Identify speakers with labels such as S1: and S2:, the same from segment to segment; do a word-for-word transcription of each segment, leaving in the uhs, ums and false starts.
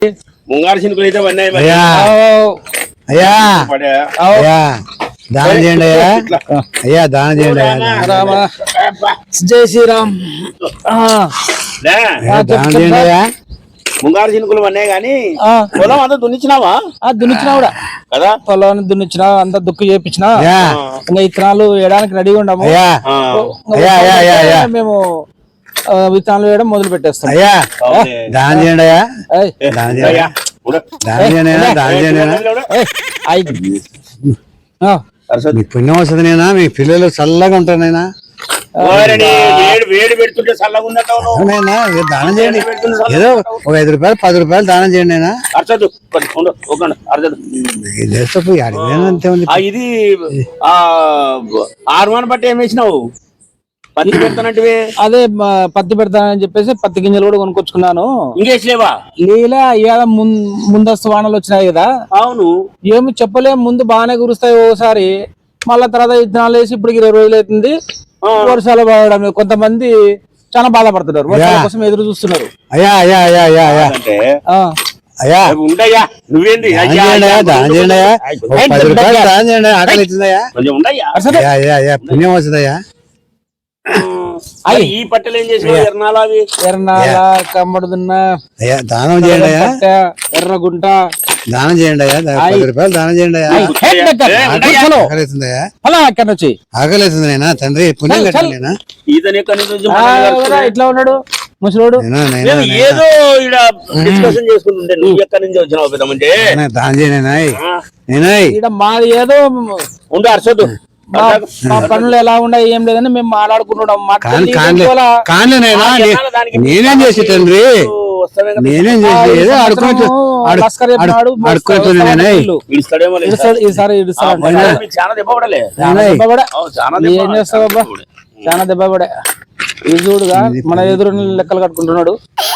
S1: ముంగారు చినుకులు అయితే పడినాయి మరి.
S2: అయ్యా అయ్యా
S1: పడ్డాయా?
S2: అయ్యా దానం చేయండి అయ్యా అయ్యా దానం చేయండి అయ్యా
S3: రామ జై శ్రీరామ్.
S1: లే,
S2: దానం చేయండి అయ్యా
S1: ముంగారు చినుకులు పడినాయి కానీ పొలం అంతా దున్నిచ్చినావా
S3: దున్నిచ్చినా కూడా
S1: కదా?
S3: పొలాన్ని దున్నిచ్చినా అంతా దుక్కు చేపించినా
S2: అయ్యా
S3: ఇంకా ఇత్తనాలు వేయడానికి రెడీగా ఉండము.
S2: అయ్యా
S1: ఆ,
S2: అయ్యా అయ్యా అయ్యా అయ్యా
S3: మేము ఆ, విత్తనాలు వేయడం మొదలు పెట్టేస్తాం.
S2: అయ్యా
S1: అవునే.
S2: దానం చేయండి అయ్యా
S3: ఏయ్,
S2: దానం చేయండి
S1: అయ్యా, ఉడ.
S2: దానం చేయండి అయ్యా దానం చేయండి అయ్యా
S1: ఉడ.
S3: ఏయ్, ఐ. ఆ,
S1: అరసదు.
S2: మీ పుణ్యం వస్తుంది నేనా మీ పిల్లలు చల్లగా ఉంటారు నైనా
S1: ఓరని వేడి వేడి పెడుతుంటే చల్లగా ఉందంటావు నువ్వు.
S2: అవునైనా మీరు దానం చేయండి ఏదో ఒక ఐదు రూపాయలు పది రూపాయలు దానం చేయండి అయినా
S1: అరసదు కొంచెం ఉండు, ఒక అరసదు.
S2: చేస్తే అంతే ఉంది
S1: ఆ, ఇది ఆ ఆర్మాన్ బట్టి ఏం వేసినావు? పత్తి పెడతానంటివి
S3: అదే మా పత్తి పెడతానని చెప్పేసి పత్తి గింజలు కూడా కొనుక్కొచ్చుకున్నాను.
S1: ఇంకేసిలేవా?
S3: లీలా ఇవాళ ముం- ముందస్తు వానలు వచ్చినాయి కదా,
S1: అవును.
S3: ఏమి చెప్పలేం. ముందు బాగానే కురుస్తాయి ఓసారి, మళ్ళా తర్వాత విత్తనాలు వేసి ఇప్పుడు ఇరవై రోజులు అవుతుంది వర్షాలు పడడం. కొంతమంది చాలా బాధపడుతున్నారు, వర్షాల కోసం ఎదురు చూస్తున్నారు.
S2: అయ్యా అయ్యా అయ్యా అయ్యా అయ్యా
S1: అంటే
S3: ఆ,
S2: అయ్యా
S1: ఉండయ్యా, నువ్వేంది
S2: దానం
S1: అయ్యా,
S2: చేయండి
S1: అయ్యా,
S2: అయ్యా దానం చేయండి అయ్యా ఒక పది రూపాయలు దానం చేయండి ఆకలి అవుతుందయ్యా
S1: కొంచెం ఉండయ్యా.
S2: అయ్యా అయ్యా అయ్యా పుణ్యం వస్తుందయ్యా
S1: మరి ఈ పట్టెలు ఏం చేసినావు? ఎర్నాలు అవి
S3: ఎర్రనాల కమ్మడుదున్న
S2: అయ్యా దానం చేయండి అయ్యా
S3: ఎర్రగుంట
S2: దానం చేయండి అయ్యా దా- పది రూపాయలు దానం చేయండి అయ్యా ఆకలి అవుతుందయ్యా
S3: అలా అక్కడ నుంచి
S2: ఆకలి అవుతుంది నేనా తండ్రి పుణ్యం కట్టండి నేనా
S1: ఈతని ఎక్కడి నుంచి వచ్చి
S3: ఆ,
S1: మనల్ని
S3: ఎవరా
S1: కలుపుతున్నాయి?
S3: ఇట్లా ఉన్నాడు ముసలోడు.
S2: నేనా నేనా
S1: నేను ఏదో ఈడ డిస్కషన్ చేసుకుంటుంటే నువ్వు ఎక్కడి నుంచి వచ్చినావు పెద్దమంటే?
S2: నేనా దానం చేయండి నేనాయ్ నేనాయ్
S3: ఈడ మాది ఏదో
S1: ఉండు అరసదు.
S3: మా మా పనులు ఎలా ఉన్నాయి ఏం లేదని మేము మాట్లాడుకుంటున్నాం.
S2: కాని కానిలే కానిలే నైనా నే- నేనేం చేసి తండ్రి
S1: వస్తావే కదా.
S2: నేనేం చేసి ఏదో ఆడుకుంటూ
S3: లస్కర్ చెప్పినాడు,
S2: ఆడుకుంటున్నా నేనాయ్
S1: పిలుస్తాడేమో లేదు.
S3: ఈసారి- ఈసారి ఇడుస్తాడు.
S1: ఆ, మీకు చాలా దెబ్బ పడలే.
S2: నేనాయ్
S3: దెబ్బ పడే.
S1: అవును, చాలా
S3: ఏం
S1: దెబ్బ
S3: చేస్తావు అబ్బా, చాలా దెబ్బ పడే. ఈ చూడుగా మన ఎదురు లెక్కలు కట్టుకుంటున్నాడు.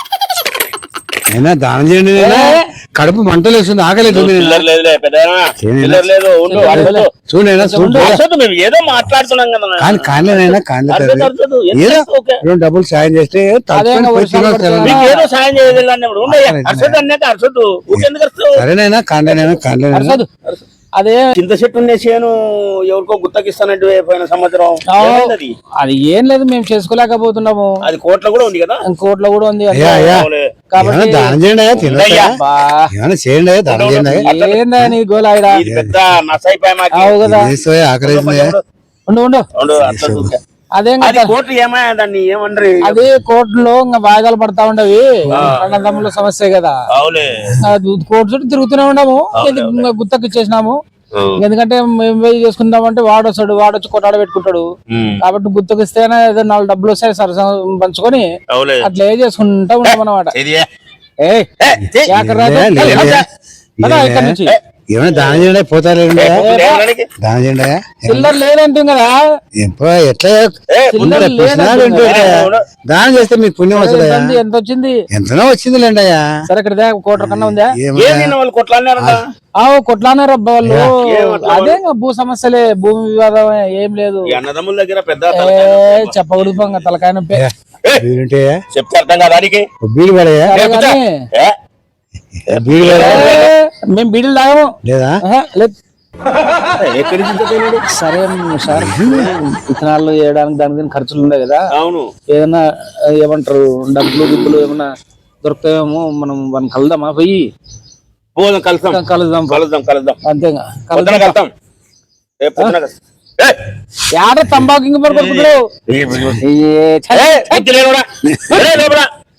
S2: అయినా దానం చేయండి నేనా కడుపు మంటలు వేస్తుంది ఆకలి అవుతుంది నేనా.
S1: చిల్లర లేదులే పెద్దనా, చిల్లర లేదు. ఉండు అరసదు.
S2: చూడు నేనా చూడు
S1: ఉండు అరసదు, మేము ఏదో మాట్లాడుతున్నాం కదా.
S2: కానీ కానిలేనైనా కానిలే
S1: అరసదు,
S2: తండ్రి
S1: అరసదు. ఎంత
S2: ఏదో
S1: చేస్తావు? ఓకే.
S2: రెండు డబ్బులు సాయం చేస్తే
S3: అదే ఇంకా వర్షాలు పడుతున్నాయి.
S1: మీకు ఏదో సాయం చేయలేదు అన్నప్పుడు ఉండయ్యా. అరసదు అన్నాక అరసదు. ఊకెందుకు అరుస్తావు?
S2: సరేనైనా కానిలేనైనా కానిలేనైనా
S3: అరసదు. అదే
S1: చింత చెట్టు ఉండే చేను ఎవరికో గుత్తకిస్తానంటే పోయిన సంవత్సరం ఏమైంది అది?
S3: అది ఏం లేదు, మేము చేసుకోలేకపోతున్నాము.
S1: అది కోట్ల కూడా ఉంది కదా.
S3: కోట్లో కూడా ఉంది.
S2: అయ్యా అయ్యా
S1: అవులే.
S2: ఏమైనా
S3: కాబట్టి
S2: దానం చేయండి అయ్యా తినయ్యా
S3: బా,
S2: ఏమైనా చేయండి అయ్యా దానం చేయండి అయ్యా
S3: ఏందా నీ గోలాయిడా?
S1: ఇది పెద్ద నసైపోయా మాకు.
S3: అవు కదా,
S2: చేస్తే ఆకలి అవుతుంది
S3: ఉండు ఉండు.
S1: ఉండు, అట్లా చూస్తే.
S3: అదేం
S1: అది
S3: కదా,
S1: కోట్లు ఏమయ్యా దాన్ని ఏమంటారు?
S3: అది కోర్టులో ఇంకా వాయిదాలు పడతా ఉండవి, అన్నదమ్ముల సమస్య కదా.
S1: అవులే.
S3: కోర్టు చుట్టూ తిరుగుతూనే ఉన్నాము, ఇది ఇంకా గుత్తకి ఇచ్చేసినాము. ఎందుకంటే మేము పోయి చేసుకుందామంటే వాడు వస్తాడు, వాడు వచ్చి కొట్టాడ పెట్టుకుంటాడు. కాబట్టి గుత్తకి ఇస్తేనే ఏదో నాలుగు డబ్బులు వస్తాయి సరస పంచుకొని
S1: అవులే.
S3: అట్లా ఏ చేసుకుంటా ఉంటాం అన్నమాట. ఏయ్, యాకర్రాజు,
S2: లే, లే, లే.
S3: పద ఇక్కడి నుంచి.
S2: ఏమైనా దానం చేయండి అయ్యా, పోతారు దానం చేయండి అయ్యా
S3: చిల్లర లేదంటుంది కదా,
S2: ఎప్పుడు ఎట్లా
S3: చిల్లర
S2: ఉంటే పుస్తకాలు
S3: లేదంటుంది
S2: ఉంటే
S3: కదా.
S2: దానం చేస్తే మీకు పుణ్యం వస్తుంది
S3: ఎంత ఉంది, ఎంత వచ్చింది?
S2: ఎంతనో వచ్చిందిలేండి అయ్యా
S3: సరే ఇక్కడ దే, కోట్ల కన్నా ఉందా?
S2: ఏమయ్యా?
S1: ఏం తిన్న వాళ్ళు కొట్లాడినారంట?
S3: ఆవు కొట్లానే రబ్బా వాళ్ళు.
S1: ఏమట్లా
S3: అదే ఇంకా భూ సమస్యలే, భూమి వివాదం ఏం లేదు.
S1: ఈ అన్నదమ్ముల దగ్గర పెద్ద
S3: ఏ
S1: తలకాయ నొప్పి.
S3: చెప్పకూడదు పొంగ తలకాయ నొప్పి.
S2: బీరుంటే
S1: చెప్తే అర్థం కాదు దానికి.
S2: బీడు పడయా
S3: సరే కానీ,
S1: ఏ?
S2: బీడు పడ
S3: ఏ, మేము బీడీలు తాగము.
S2: లేదా
S3: ఆహా, లేదు.
S1: ఎక్కడి నుంచి తెచ్చినాడు?
S3: సరే సార్, విత్తనాలు వేయడానికి దానికి దీనికి ఖర్చులు ఉన్నాయి కదా,
S1: అవును.
S3: ఏదైనా ఏమంటారు డబ్బులు గిబ్బులు ఏమన్నా దొరుకుతాయేమో, మనం వాళ్ళని కలుద్దామా పోయి?
S1: పోదాం, కలుద్దాం
S3: కలుద్దాం
S1: కలుద్దాం కలుద్దాం
S3: అంతేగా,
S1: పొద్దున
S3: కలుద్దాం.
S1: కలుద్దాం. రేపు పొద్దున కలుద్దాం. ఏ!
S3: యాడ తంబాకు ఇంక మరి కొడుకుతారు.
S1: ఏ,
S3: ఏ,
S1: బుద్ధి లేనురా. ఏ, లోపల.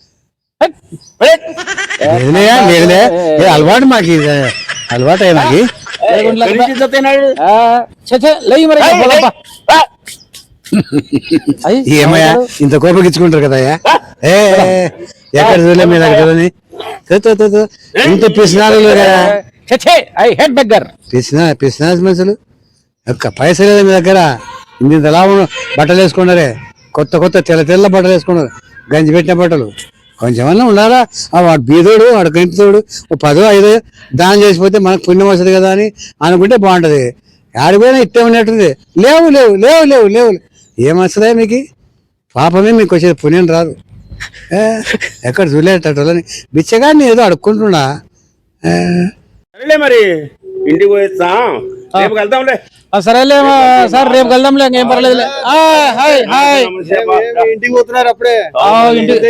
S1: ఏ!
S2: లేదులేయా లేదులే ఏ అలవాటు మాకు ఇది. అలవాటు అయ్యా మాకి
S1: ఎక్కడి నుంచి తెచ్చినాడు?
S3: ఆ, ఛే, ఛే, లేయి మరి
S1: ఏయ్,
S3: పోదాంపా.
S1: ఏ!
S3: అయ్,
S2: ఏమయ్యా ఇంత కోపగించుకుంటారు కదా అయ్యా ఏ ఎక్కడ చూడలే మీ దగ్గర చూడని. తో, తో, తో, తో. ఇంత పిసినారు కదా
S3: ఛే, ఛే, ఐ హేట్ బెగ్గర్.
S2: పిసినా పిసినాస్ మనుషులు ఒక్క పైసలు లేదా మీ దగ్గర ఇంత ఎలా బట్టలు వేసుకున్నారే, కొత్త కొత్త తెల్ల తెల్ల బట్టలు వేసుకున్నారు, గంజి పెట్టిన బట్టలు. కొంచెమన్నా ఉండాలా. ఆ వాడు బీదోడు వాడు గంపితోడు ఓ పదో ఐదో దానం చేసిపోతే మనకు పుణ్యం వస్తుంది కదా అని అనుకుంటే బాగుంటది. ఆడిపోయినా ఇట్టే ఉన్నట్టుంది. లేవు లేవు లేవు లేవు లేవు ఏమొస్తుందా మీకు? పాపమే మీకు వచ్చేది, పుణ్యం రాదు. ఏ, ఎక్కడ చూడలేటోళ్ళని బిచ్చగాడిని ఏదో అడుక్కుంటున్నా ఏ,
S1: సరేలే మరి ఇంటికి పోయిస్తా రేపు వెళ్తాంలే
S3: ఆ, సరేలే మా సార్ రేపు వెళ్దాంలే ఇంకేం పర్లేదులే ఆ, హాయ్ హాయ్
S4: ఇంటికి పోతున్నారు అప్పుడే
S3: ఆ, ఇంటికి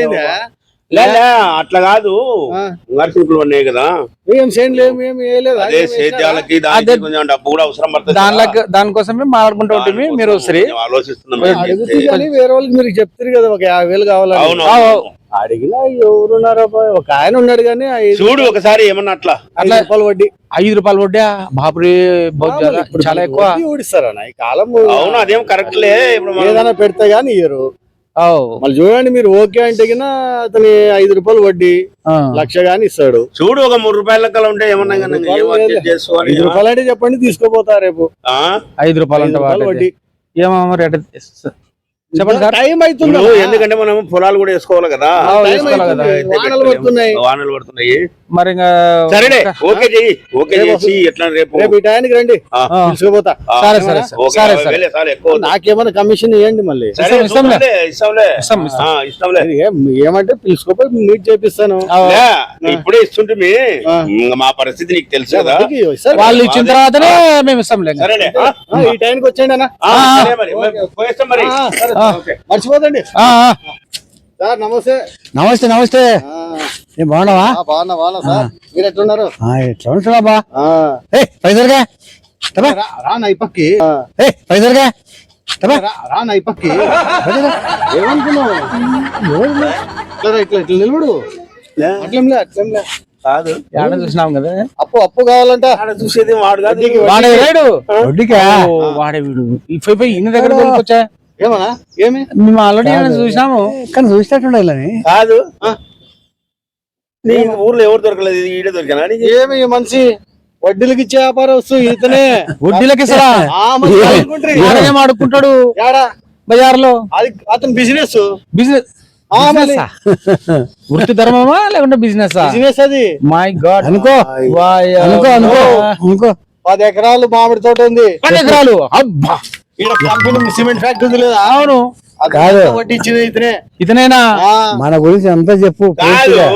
S1: లే లే, అట్లా కాదు నర్సింపులు ఉన్నాయి కదా
S4: ఏం చేయండి లేము ఏం వేయలేదు
S1: అదే సేద్యాలకి దానికి కొంచెం డబ్బు కూడా అవసరం పడుతుంది
S3: దానిలో దానికోసమే మాట్లాడుకుంటూ ఉంటుంది మీరు సరే
S1: కొంచెం ఆలోచిస్తున్నాం
S4: అడుగుతుంది కానీ వేరే వాళ్ళకి మీరు చెప్తారు కదా ఒక యాభై వేలు కావాలని
S1: అవును
S4: అడిగినా ఎవరున్నారా బాయ్? ఒక ఆయన ఉన్నాడు కానీ ఐదు
S1: చూడు ఒకసారి ఏమన్నా అట్లా
S4: ఐదు రూపాయలు వడ్డీ
S3: ఐదు రూపాయలు వడ్డా బాపురి బహుత్ చాలా-
S4: ఇప్పుడు
S3: చాలా ఎక్కువ
S4: వడ్డీ ఊడిస్తారన్న ఈ కాలం
S1: అవును అదేం కరెక్ట్ లే ఇప్పుడు మనం-
S4: ఏదైనా పెడితే గానీ ఇయ్యరు
S3: ఓ,
S4: మళ్ళీ చూడండి మీరు ఓకే అంటే గినా అతని ఐదు రూపాయలు వడ్డీ
S3: ఆ.
S4: లక్ష గాని ఇస్తాడు
S1: చూడు ఒక మూడు రూపాయల లెక్కలు ఉంటే ఏమన్నా కానీ
S4: రూపాయలు
S1: ఏం adjust
S4: లేదు.
S1: చేసుకోవాలి
S4: ఐదు రూపాయలు అంటే చెప్పండి తీసుకోపోతా రేపు
S1: ఆ?
S3: ఐదు రూపాయలు
S4: ఐదు
S3: అంటే
S4: రూపాయలు
S3: వాటి
S4: వడ్డీ
S3: ఏమో మరి ఎట్ట- చెప్పండి సార్
S4: టైం అవుతుంది
S1: ఇప్పుడు ఎందుకంటే మనం పొలాలు కూడా వేసుకోవాలి కదా
S3: ఆ,
S4: టైం
S3: వేసుకోవాలి కదా.
S4: అవుతుంది. వానలు పడుతున్నాయి
S1: వానలు పడుతున్నాయి
S3: మరి ఇంకా
S1: సరేలే ఓకే చెయ్యి ఓకే చేసి ఎట్లా రేపు
S4: రేపు ఈ టైంకి రండి
S3: ఆ.
S4: తీసుకుపోతా
S1: ఆ,
S3: సరే సరే
S1: ఓకే,
S3: సరే
S1: యాభై
S3: సరే
S1: వేలే చాలు, ఎక్కువ వద్దు.
S4: నాకేమైనా కమిషన్ ఇవ్వండి మళ్ళీ
S1: సరే,
S3: ఇస్తాం, ఇస్తాంలే.
S1: ఇస్తాంలే, ఇస్తాంలే.
S3: ఇస్తాం, ఇస్తాం.
S1: ఆ, ఇస్తాంలే
S4: ఇది ఏం- ఏమంటే పిలుచుకోపోయి మీట్ చేపిస్తాను
S3: ఆ,
S1: లే, ఇప్పుడే ఇస్తుంటే
S4: ఆ.
S1: మా పరిస్థితి నీకు తెలుసు కదా
S4: వడ్డీకి ఇస్తారు.
S3: వాళ్ళు ఇచ్చిన తర్వాతనే మేము ఇస్తాంలే ఇంకా.
S1: సరేలే ఆ?
S4: ఆ, ఈ టైంకి వచ్చేయండి అన్న
S1: ఆ, సరే మరి మరి పోయేస్తాం మరి
S4: ఆ, సరే,
S3: ఆ.
S4: ఓకే. మర్చిపోదండి
S3: ఆ, ఆ.
S4: సార్ నమస్తే
S2: నమస్తే నమస్తే
S4: ఆ,
S2: ఏం బాగున్నావా
S4: ఆ, బాగున్నా బాగున్నా సార్ మీరు ఎట్లున్నారు
S2: ఆ, ఎట్లా ఉంటున్నా బా
S4: ఆ,
S2: ఏ పైసలుగా తప్పా
S4: రా- రా నా ఈ పక్కి ఆ,
S2: ఏ పైసలుగా తప్పా
S4: రా- రా నా ఈ పక్కి ఏమనుకున్నావు ఇట్లా రా, ఇట్లా ఇట్లా నిలబడు
S1: లే,
S4: అట్లేంలే అట్లేంలే
S1: కాదు
S3: ఏడ చూసినాం కదా
S4: అప్పు అప్పు కావాలంట
S1: ఆడ చూసేది వాడు కాదు
S4: వడ్డీకి వడ్డీ.
S3: వాడే రాడు
S2: వడ్డీకా
S3: ఓ, వాడే వీడు ఇఫై పోయి ఇన్ని దగ్గర కొనుక్కొచ్చా
S4: ఏమన్నా ఏమి
S3: మేము ఆల్రెడీ చూసినాము
S2: కానీ చూసినట్టుండే వీళ్ళని
S1: కాదు
S4: ఆ.
S1: నీ ఊర్లో ఎవరు దొరకలేదు ఇది ఈడే దొరికినా నీకు?
S4: ఏమి ఈ మనిషి వడ్డీలకి ఇచ్చే వ్యాపారం వస్తూ ఇతనే
S3: వడ్డీలకి ఇస్తారా
S4: ఆ, మరి అనుకుంటారు.
S3: ఏం ఆడుకుంటాడు
S4: ఏడా
S3: బజార్లో
S4: అది అతని బిజినెస్
S3: బిజినెస్
S4: ఆ, మళ్ళీ
S3: వృత్తి ధర్మమా లేకుంటే బిజినెస్
S4: బిజినెస్ అది
S3: మై గాడ్
S2: అనుకో అనుకో అనుకో అనుకో
S4: పది ఎకరాలు మామిడి తోట ఉంది
S3: పది ఎకరాలు అబ్బా
S4: ఈడ కంపెనీ సిమెంట్ ఫ్యాక్టరీ ఉంది లేదా
S3: అవును
S4: అది
S2: కాదు.
S4: అంతా వడ్డీ ఇచ్చింది ఇతనే
S3: ఇతనేనా
S4: ఆ,
S2: మన గురించి అంతా చెప్పు
S1: కాదు
S2: పూర్తిగా.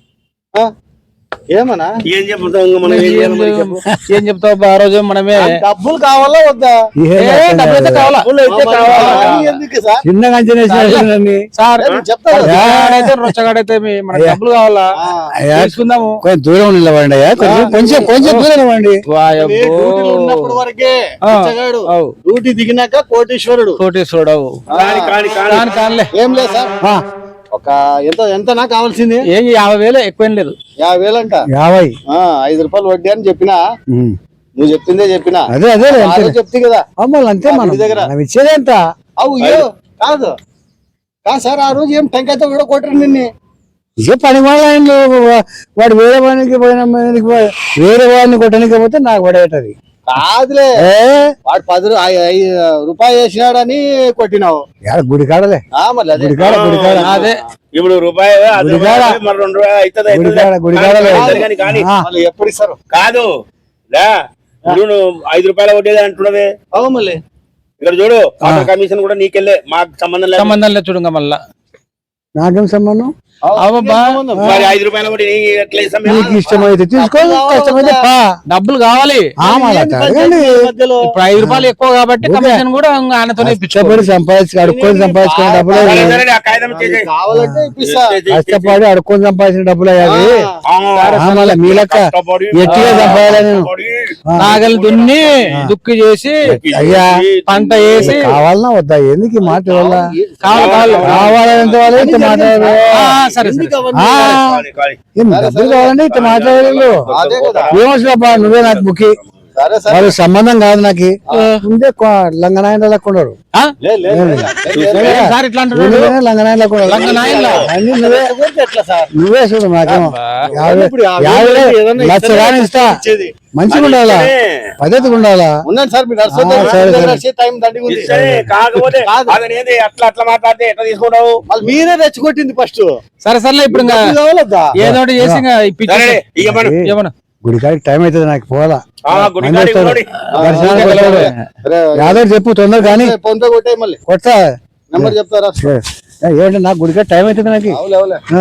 S4: ఆ, ఏమన్నా
S1: ఏం చెప్తాం ఇంకా మనం ఏం
S3: ఏం
S1: చేయాలి మరి చెప్పు.
S3: ఏం చెప్తావు బా, ఆ రోజు మనమే
S4: డబ్బులు కావాలా వద్దా
S2: ఏం
S3: ఏ,
S2: అర్థం
S3: డబ్బులు అయితే
S2: కాదు.
S3: కావాలా
S1: డబ్బులు అయితే
S4: ఆ, మరి
S1: కావాలా?
S4: అవన్నీ ఎందుకు సార్
S2: చిన్నగా అంచనా వేసినట్టు
S3: సార్
S4: నేను చెప్తా కదా.
S3: రొచ్చగాడైతే రొచ్చగాడైతే మీ- మనకి డబ్బులు కావాలా
S4: ఆ,
S2: అయ్యా,
S3: తీసుకుందాము
S2: కొంచెం దూరం నిలవండి అయ్యా కొంచెం కొంచెం కొంచెం దూరం నిలవండి
S4: నేను
S3: వాయబ్బో.
S4: డ్యూటీలో ఉన్నప్పుడు వరకే
S3: ఆ,
S4: పిచ్చగాడు.
S3: అవు.
S4: డ్యూటీ దిగినాక కోటీశ్వరుడు
S3: కోటేశ్వరుడు అవు.
S1: కాని కాని కాని
S3: కాని కానిలే
S4: ఏం లేదు సార్
S2: ఆ,
S4: ఒక ఎంత ఎంత నాకు కావాల్సింది
S3: ఏం యాభై వేలు ఎక్కువేం లేదు
S4: యాభై వేలంట
S2: యాభై
S4: ఆ, ఐదు రూపాయలు వడ్డీ అని చెప్పినా
S2: ఉమ్.
S4: నువ్వు చెప్పిందే చెప్పినా
S2: అదే అదే
S4: ఆ రోజు చెప్తే కదా
S2: అమ్మాలి అంతే మనం
S4: గుడి దగ్గర.
S2: మనం ఇచ్చేది ఎంత
S4: అవు ఏ కాదు కాదు సార్ ఆ రోజు ఏం టెంకాయతో కూడా కొట్టరు నిన్ను
S2: ఇదే పని వాళ్ళ వాడు వేరే వాడికి పోయిన వాడికి పోయి- వేరే వాడిని కొట్టడానికి పోతే నాకు పడేటది
S4: కాదులే
S2: ఏ
S4: వాడు పది రూ- ఐ- ఐ- రూపాయి వేసినాడని కొట్టినావు
S2: యాడ గుడి కాడలే
S4: ఆ మళ్ళీ అదే
S2: గుడి కాడ గుడి కాడ
S3: అదే
S1: ఇప్పుడు రూపాయి అది
S2: గుడికాడ.
S1: రూపాయి, మరి రెండు రూపాయలు అవుతుంది, అవుతుంది.
S2: గుడికాడ గుడికాడ
S1: కానీ,
S2: లేదు.
S1: కానీ, కానీ
S2: ఆ,
S4: మళ్ళీ ఎప్పుడు ఇస్తారు
S1: కాదు లే ఇప్పుడు నువ్వు ఐదు రూపాయలు కొట్టేది అంటున్నవే
S4: అవు మళ్ళీ
S1: ఇక్కడ చూడు వాటర్ కమిషన్ కూడా నీకెళ్ళే మాకు సంబంధం లేదు
S3: సంబంధం లేదు చూడంగా మళ్ళా
S2: నాకేం సంబంధం
S4: అవు,
S3: అవబ్బా.
S4: నీకేం సంబంధం?
S1: మరి ఐదు రూపాయలు కూడా నీకు ఎట్లా ఇస్తాం మేము?
S2: నీకు ఇష్టమైతే తీసుకో కష్టమైతే పా
S3: డబ్బులు కావాలి
S2: ఆ, మళ్ళా
S4: ఏంది
S2: అడగండి.
S4: ఈ మధ్యలో
S3: ఇప్పుడు ఐదు రూపాయలు ఎక్కువ కాబట్టి
S2: ఓకే.
S3: కమిషన్ కూడా ఇంకా ఆయనతోనే ఇప్పించుకోవాలి
S2: కష్టపడి సంపాదించి అడుక్కొని సంపాదించుకునే డబ్బులు
S1: సరే,
S2: అవి.
S1: సరే, ఆ కాగితం చేసేయ్.
S4: కావాలంటే ఇప్పిస్తా
S2: కష్టపడి అడుక్కొని సంపాదించిన డబ్బులు అవి
S1: ఆ,
S2: మళ్ళీ మీ లెక్క
S1: కష్టపడి,
S2: ఎట్టిగా సంపాదాలి నేను.
S1: కష్టపడి,
S3: నాగలి దున్ని దుక్కి చేసి
S2: అయ్యా
S3: పంట వేసి
S2: కావాలన్నా వద్దా ఎందుకు ఈ మాట వల్ల
S3: కావాలి కావాలి
S2: కావాలంత వాళ్ళు ఇంత మాట్లాడారు
S3: ఆ, సరే సరే
S4: ఎందుకు అవన్నీ?
S2: ఆ,
S1: కాని, కాని.
S2: ఏం డబ్బులు కావాలంటే ఇంత మాట్లాడలేదు
S4: అదే కదా
S2: ఏమొచ్చినప్పా నువ్వే నాకు ముఖ్య
S4: సరే సరే
S2: వాళ్ళ సంబంధం కాదు నాకు ముందే లంగనాయన లెక్కున్నాడు
S3: ఆ?
S4: లే, లే, లే, లే, లే.
S3: ఏం సార్ ఇట్లా అంటున్నాడు
S2: లంగనాయన లెక్కున్నాడు
S3: లంగనాయనలా?
S2: అన్ని నువ్వే
S4: ఊరికే ఎట్లా సార్
S2: నువ్వే చూడు నాకేమో యాభై
S4: ఇప్పుడు యాభై
S2: యాభై
S4: వేలు ఏదన్నా
S2: లక్ష
S4: ఇస్తేనే
S2: కానీ ఇస్తా
S4: ఇచ్చేది.
S2: మంచిగా ఉండాలా పద్ధతిగా ఉండాలా
S4: ఉన్నాను సార్ మీరు నర్సు
S2: ఆ, సరే, సరే.
S4: నడిచే టైం దండిగా ఉంది
S1: సరే, కాకపోతే
S4: కాదు.
S1: అతను ఏంది అట్లా అట్లా మాట్లాడితే ఎట్లా తీసుకుంటావు
S4: మళ్ళీ మీరే రెచ్చగొట్టింది ఫస్ట్
S3: సరే సరే ఇప్పుడు ఇంకా
S4: కావాలద్దా
S3: ఏదో ఒకటి చేసి ఇంకా
S1: సరే
S3: ఇప్పించేసి
S1: ఇక మనం
S3: ఏమన్నా
S2: గుడికాడికి టైం అవుతుంది నాకు పోవాలా
S1: ఆ, గుడి
S2: మంది
S1: కాడికి
S2: వస్తారు.
S1: పోనీ.
S2: దర్శనానికి వస్తారు. యాదవ్ చెప్పు తొందర కానీ
S4: ఫోన్ పే కొట్టే మళ్ళీ
S2: కొట్టా
S4: నెంబర్ చెప్తారా
S2: సరే. ఏమంటే నాకు గుడిగా టైం అవుతుంది నాకు
S4: అవులే అవులే
S2: ఆ,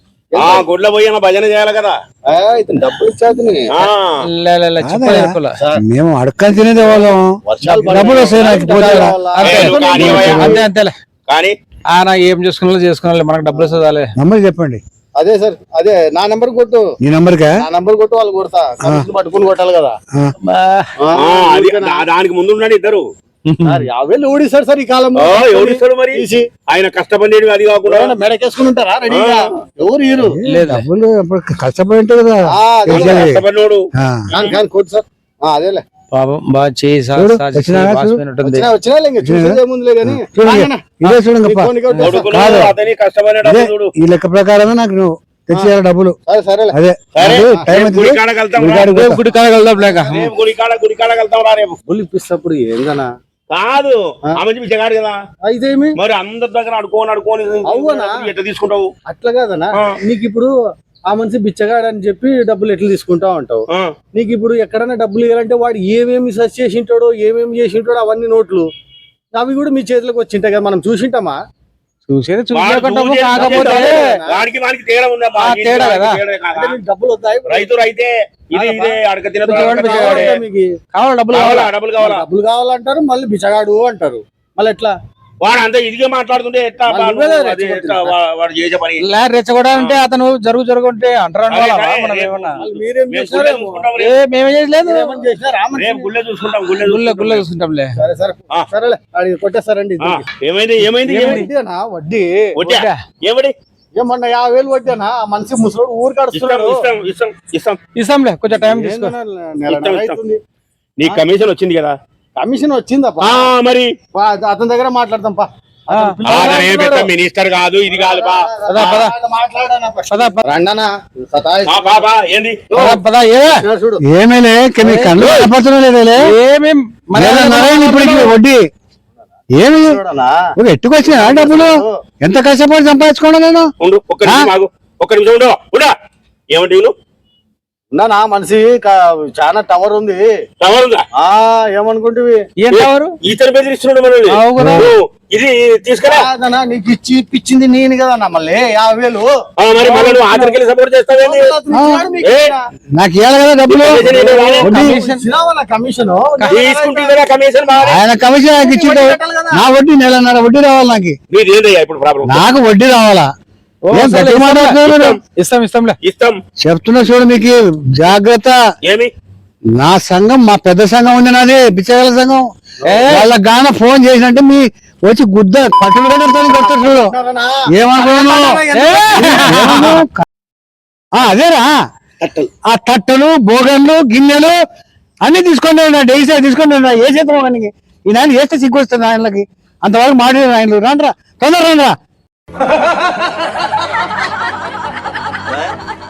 S1: ఆ గుడ్ల పోయి ఏమో భజన చేయాలి కదా.
S4: ఆ, ఇతను డబ్బులు ఇచ్చేది
S1: ఆ
S3: లే, లే, లే, చెప్పలే, చెప్పలే.
S2: మేము అడక్కని తినేదే వాళ్ళం
S4: వర్షాలు పడే-
S2: డబ్బులు వస్తాయి నాకు పోతే
S3: అంతే,
S1: ఏ, నువ్వు కానీ ఇవ్వయా?
S3: అంతే అంతేలే.
S1: కానీ
S3: ఆయన ఏం చేసుకున్నా చేసుకున్నా మనకు డబ్బులు వస్తుందాలే.
S2: నంబర్ చెప్పండి
S4: అదే సార్ అదే నా నెంబర్ కొట్టు
S2: ఈ నంబర్కా
S4: నా నెంబర్ కొట్టు వాళ్ళు కొడతా కమిషన్ పట్టుకుని కొట్టాలి కదా
S2: ఆ,
S3: బా.
S4: ఆ,
S1: ఆ, అది దా- దానికి ముందు ఉన్నాడు ఇద్దరు.
S4: సార్ యాభై వేలు ఓడిస్తారు సార్ ఈ కాలంలో
S1: ఓ, ఎవరిస్తాడు మరి?
S4: తీసి
S1: ఆయన కష్టపడేది అది కాకుండా
S4: ఎవరైనా మెడకేసుకుని ఉంటారా రెడీగా ఎవరు హీరో
S2: ఏ, డబ్బులు అప్పుడు కష్టపడి ఉంటాయి కదా
S4: ఆ, అదే.
S2: తెలిసేది.
S1: కష్టపడినోడు.
S2: ఆ,
S4: కానీ కానీ కొట్టు సార్ ఆ, అదేలే
S3: పాపం బాగా చేయి సా-
S2: చూడు,
S3: సాచి
S2: వచ్చినా
S3: చేయి
S2: చూడు.
S3: వాసిపోయినట్టుంది.
S4: వచ్చినా వచ్చినా లేక చూసేది ఏముందిలే కానీ
S2: చూడండి ఇదే చూడండి గొప్ప.
S1: కొడుకులు
S2: కాదు.
S1: అతని కష్టపడేటప్పుడు
S2: ఇదే
S1: చూడు.
S2: ఈ లెక్క ప్రకారమే నాకు నువ్వు తెచ్చేయాలి డబ్బులు
S4: సరే సరేలే
S2: అదే
S1: సరే,
S2: నాకు టైం
S1: రేపు
S2: అవుతుంది.
S1: గుడి కాడకి వెళ్తాం రా.
S2: గుడికాడికి
S3: రేపు
S2: పోతా.
S3: గుడి కాడ వెళ్దాం లేక.
S1: రేపు గుడి కాడ గుడి కాడకి వెళ్తాం రా రేపు.
S4: డబ్బులు ఇప్పిస్తప్పుడు ఏందనా
S1: కాదు ఆమె బిచ్చగాడు కదా,
S4: ఇదేమి
S1: మరి అందరి దగ్గర అడుకోని అడుకోని
S4: అవునా?
S1: ఎట్లా తీసుకుంటావు?
S4: అట్లా కాదనా
S1: ఆ.
S4: నీకు ఇప్పుడు ఆ మనిషి బిచ్చగాడు అని చెప్పి డబ్బులు ఎట్లా తీసుకుంటావు అంటావు
S1: ఆ,
S4: నీకు ఇప్పుడు ఎక్కడైనా డబ్బులు ఇవ్వాలంటే వాడు ఏమేమి సెర్చ్ చేసి ఉంటాడో ఏమేమి చేసి ఉంటాడో అవన్నీ నోట్లు అవి కూడా మీ చేతిలోకి వచ్చింటాయి కదా మనం చూసింటామా
S3: చూసేది
S1: వాడు
S3: చూసేకుంటాము,
S1: చూసేది
S3: కాకపోతే
S1: చూసేది. వాడికి వాడికి తేడా ఉందా?
S3: ఆ, తేడా కదా.
S1: తేడా కాదా?
S4: అంటే మీకు డబ్బులు వస్తాయి
S1: రైతు రైతే ఇది ఇదే అడక తిన
S3: బిచ్చగాడు, బిచ్చగాడే.
S4: కావాలంటే మీకు
S3: కావాలి డబ్బులు
S1: కావాలా
S3: కావాలా.
S1: డబ్బులు కావాలా?
S4: డబ్బులు కావాలంటారు మళ్ళీ బిచ్చగాడు అంటారు మళ్ళీ ఎట్లా
S1: వాడు అంతా ఇదిగే మాట్లాడుతుంటే ఎట్లా
S4: వాళ్ళు
S1: బాను?
S4: నువ్వే
S1: అది
S4: రెచ్చగొడుతున్నావు.
S1: ఎట్లా వా- వాడు చేసే పని
S3: లే రెచ్చగొడాలంటే అతను జరుగు జరుగుంటే అంటారు
S1: అరే,
S3: అనుకోవాలా
S1: అరే,
S3: మనం
S1: రేపు
S3: ఏమన్నా.
S4: వాళ్ళు మీరేం
S1: మేము
S4: చేసినారో
S1: గుళ్ళే
S4: ఏమో.
S1: చూసుకుంటాం
S3: ఏ
S1: రేపు.
S3: మేమేం చేయలేదు.
S4: మీరేమని చేసినారా మనిషిని?
S1: రేపు గుళ్ళే చూసుకుంటాం గుళ్ళే
S3: గుళ్ళ
S1: చూసుకుంటాం.
S3: గుళ్ళ చూసుకుంటాంలే.
S4: సరే సరే
S1: ఆ.
S4: సరేలే అడిగి కొట్టేస్తారండి
S1: ఆ,
S4: ఇద్దరికి.
S1: ఏమైంది ఏమైంది ఏమైంది
S4: వడ్డీనా వడ్డీ
S1: వడ్డా?
S3: వడ్డా?
S1: ఏమడి
S4: ఏమన్నా యాభై వేలు వడ్డీనా ఆ మనిషి ముసలోడు ఊరు
S1: ఇస్తాం
S4: కడుస్తున్నాడు
S1: ఇస్తాం ఇస్తాం ఇస్తాం
S3: ఇస్తాంలే, కొంచెం టైం తీసుకో.
S4: ఏందన్నా నెల
S1: ఇస్తాం,
S4: నెల
S1: ఇస్తాం.
S4: అవుతుంది.
S1: నీ కమిషన్ వచ్చింది కదా.
S4: కమిషన్ వచ్చిందప్పా
S1: ఆ మరి
S4: పా, అతని దగ్గర మాట్లాడతాం పా
S3: ఆ,
S1: ఆ, అతను ఏం పెద్ద మినిస్టర్ కాదు ఇది కాదు బా.
S3: పద, పద.
S4: మాట్లాడానా
S3: పద, పద.
S4: రండనా
S1: ఆ, బా బా ఏంది
S3: పద, పద, ఏ
S4: చూడు
S2: ఏమేలే నీ కళ్ళు కనపడుతున్నాయి లేదేలే
S3: ఏమేం మన
S2: నెల నరైంది ఇప్పటికి వడ్డీ ఏమి
S4: చూడనా
S2: ఒక ఎట్టుకొచ్చినా డబ్బులు ఎంత కష్టపడి సంపాదించుకోండి నేను
S1: ఉండు ఒక్క నిమిషం ఆగు ఒక్క నిమిషం ఉండు ఉండు ఏమంటే నువ్వు
S4: ఉన్నానా మనిషి క- చాలా టవర్ ఉంది
S1: టవర్ ఉందా?
S4: ఆ ఏమనుకుంటివి
S3: ఏం కావరు
S1: ఈతరు బెదిరిస్తున్నాడు మనల్ని.
S3: అవు కదా.
S1: నువ్వు ఇది తీసుకురా.
S4: కాదన్నా, నీకు ఇచ్చి ఇప్పించింది నేను కదన్నా మళ్ళీ యాభై వేలు
S1: ఆ, మరి మళ్ళీ నువ్వు ఆఖరికి వెళ్ళి సపోర్ట్ చేస్తావేంటి?
S4: అతను ఇచ్చినాడు మీకు
S1: ఏ?
S4: ఇచ్చినా.
S2: నాకు ఇవ్వాలి కదా డబ్బులు
S1: కమిషన్ ఏంటో రాలే?
S2: వడ్డీ
S4: ఇచ్చినావన్నా కమిషన్
S1: తీసుకుంటుంది కదా కమిషన్ బాగా.
S2: ఆయన కమిషన్ నాకు ఇచ్చిండు నా వడ్డీ నెలన్నర వడ్డీ రావాలి నాకు
S1: నీది ఏందయ్యా ఇప్పుడు ప్రాబ్లం?
S2: నాకు వడ్డీ రావాలా
S3: ఓ,
S2: ఏం
S3: సరే,
S2: గట్టిగా మాట్లాడుతున్నావు?
S3: ఇస్తాం ఇస్తాంలే.
S1: ఇస్తాం.
S2: చెప్తున్నా చూడు మీకు జాగ్రత్త
S1: ఏమి
S2: నా సంఘం మా పెద్ద సంఘం ఉంది నాది బిచ్చగల సంఘం వాళ్ళకి గాన ఫోన్ చేసినట్టే మీ వచ్చి గుద్ద పట్టులు కొడతారు చూడు ఏమనుకున్నాను అదేరా ఆ తట్టలు బోగన్లు గిన్నెలు అన్ని తీసుకోండి డైసీ తీసుకొని ఏ చేద్దాం ఆయనకి ఈ నాయన వేస్తే సిగ్గు వస్తుంది ఆయనకి అంతవరకు మాట్లాడారు ఆయనలు రాండ్రా తొందర రండ్రా